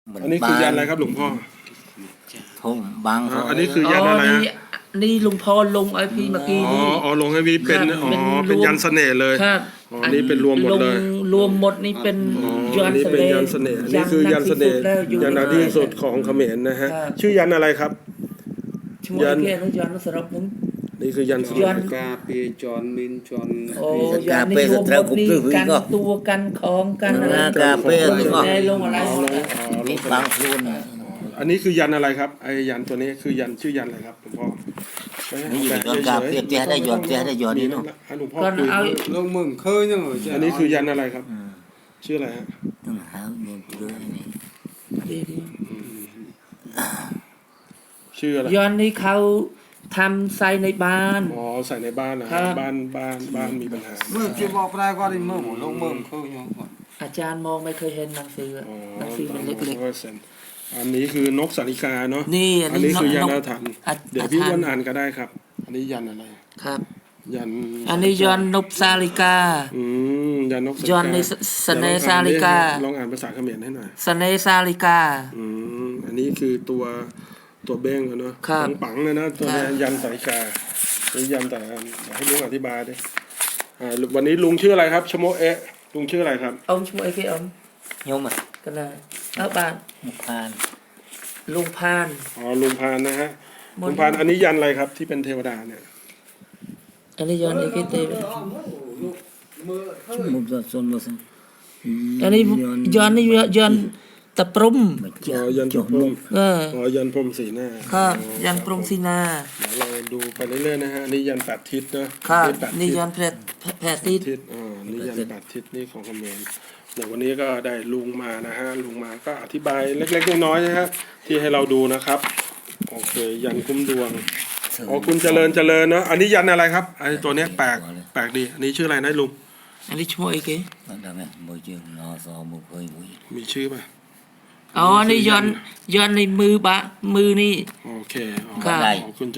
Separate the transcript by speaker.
Speaker 1: อันนี้คือยันอะไรครับหลวงพ่อ
Speaker 2: ผมบาง
Speaker 1: อันนี้คือยันอะไรฮะ
Speaker 3: นี่ลุงพ่อลงไอพีเมื่อกี้นี่
Speaker 1: อ๋อลงให้วีเป็นเป็นยันเสน่ห์เลย
Speaker 3: ครับ
Speaker 1: อันนี้เป็นรวมหมดเลย
Speaker 3: รวมหมดนี่เป็นยันเสน่ห์
Speaker 1: ยันเสน่ห์นี่คือยันเสน่ห์ยันที่สุดของเขมรนะฮะชื่อยันอะไรครับ
Speaker 3: ยันยันสำหรับผม
Speaker 1: นี่คือยัน
Speaker 4: ยันกาเปจอนมินจอน
Speaker 3: โอ้ยันนี่รวมหมดนี่กันตัวกันของกันอะไร
Speaker 2: กาเป้
Speaker 3: ลงอะไร
Speaker 2: มีบางพูน
Speaker 1: อันนี้คือยันอะไรครับไอ้ยันตัวนี้คือยันชื่อยันอะไรครับหลวงพ่อ
Speaker 2: นี่ย้อนกาเป้เจ้าได้ย้อนเจ้าได้ย้อนนี่เนาะ
Speaker 1: หลวงพ่อคุย
Speaker 4: ลงมึงเคยยังเหรอ
Speaker 1: อันนี้คือยันอะไรครับชื่ออะไรฮะ
Speaker 2: ต้องหาเงินเดือนนี่
Speaker 1: ชื่ออะไร
Speaker 3: ยันนี่เขาทำใส่ในบ้าน
Speaker 1: ใส่ในบ้านนะบ้านมีปัญหา
Speaker 4: เมื่อจะบอกได้ก็ได้เมื่อลงเมื่อเคยยัง
Speaker 3: อาจารย์มองไม่เคยเห็นหนังสือมันเล็ก
Speaker 1: ๆอันนี้คือนกสาริกาเนาะ
Speaker 3: นี่
Speaker 1: อันนี้คือยันอาถรรพ์เดี๋ยวพี่อ้วนอ่านก็ได้ครับอันนี้ยันอะไร
Speaker 3: ครับ
Speaker 1: ยัน
Speaker 3: อันนี้ยันนกสาลิกา
Speaker 1: ยันนก
Speaker 3: ยันในสเนสาลิกา
Speaker 1: ลองอ่านภาษาเขมรให้หน่อย
Speaker 3: สเนสาลิกา
Speaker 1: อันนี้คือตัวเบ้งเนาะปังเลยนะตัวยันสาลิกานี่ยันแต่ให้ลุงอธิบายดิวันนี้ลุงชื่ออะไรครับชโมเอะลุงชื่ออะไรครับ
Speaker 3: ชโมเอะคือ
Speaker 2: โยม
Speaker 3: กันนะบ้าน
Speaker 2: ลุงพาน
Speaker 3: ลุงพาน
Speaker 1: ลุงพานนะฮะลุงพานอันนี้ยันอะไรครับที่เป็นเทวดาเนี่ย
Speaker 3: อันนี้ยันอะไรกันเต้
Speaker 2: มุมส่วนมุม
Speaker 3: อันนี้ยันนี่ยันตะปรุม
Speaker 1: ยันตะปรุมยันพรมสีหน้า
Speaker 3: ครับยันพรมสีหน้า
Speaker 1: เราดูไปเรื่อยๆนะฮะนี่ยันแปดทิศ
Speaker 3: นะครับนี่ยันแปดทิศ
Speaker 1: นี่ยันแปดทิศนี่ของเขมรเดี๋ยววันนี้ก็ได้ลุงมานะฮะลุงมาก็อธิบายเล็กๆน้อยๆนะฮะที่ให้เราดูนะครับโอเคยันคุ้มดวงคุณเจริญเนาะอันนี้ยันอะไรครับไอ้ตัวนี้แปลกดีอันนี้ชื่ออะไรนะลุง
Speaker 3: อันนี้ชื่ออะไร
Speaker 1: มีชื่อป่ะ
Speaker 3: นี่ยันในมือนี่
Speaker 1: โอเค
Speaker 3: ครับ